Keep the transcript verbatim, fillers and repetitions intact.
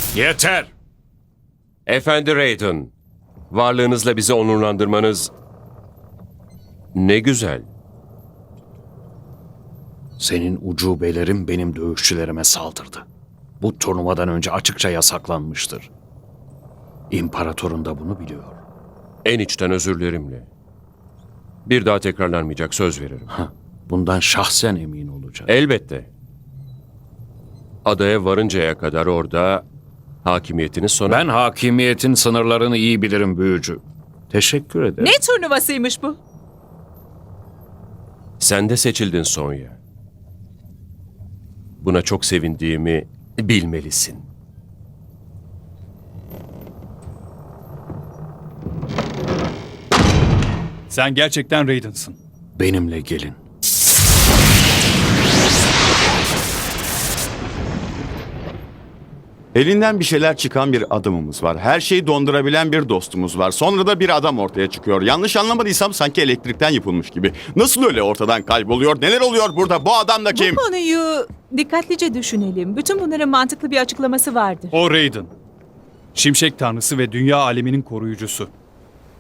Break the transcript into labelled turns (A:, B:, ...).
A: Yeter!
B: Efendi Raiden, varlığınızla bizi onurlandırmanız ne güzel.
A: Senin ucubelerin benim dövüşçülerime saldırdı. Bu turnuvadan önce açıkça yasaklanmıştır. İmparatorun da bunu biliyor.
B: En içten özürlerimle. Bir daha tekrarlanmayacak, söz veririm.
A: Hah, bundan şahsen emin olacak.
B: Elbette. Adaya varıncaya kadar orada hakimiyetiniz sona...
A: Ben hakimiyetin sınırlarını iyi bilirim büyücü. Teşekkür ederim.
C: Ne turnuvasıymış bu?
B: Sen de seçildin Sonya. Buna çok sevindiğimi bilmelisin.
D: Sen gerçekten Raiden'sın.
A: Benimle gelin.
E: Elinden bir şeyler çıkan bir adamımız var. Her şeyi dondurabilen bir dostumuz var. Sonra da bir adam ortaya çıkıyor. Yanlış anlamadıysam sanki elektrikten yapılmış gibi. Nasıl öyle ortadan kayboluyor? Neler oluyor burada? Bu adam da kim?
C: Bu konuyu dikkatlice düşünelim. Bütün bunların mantıklı bir açıklaması vardır.
D: O Raiden. Şimşek tanrısı ve dünya aleminin koruyucusu.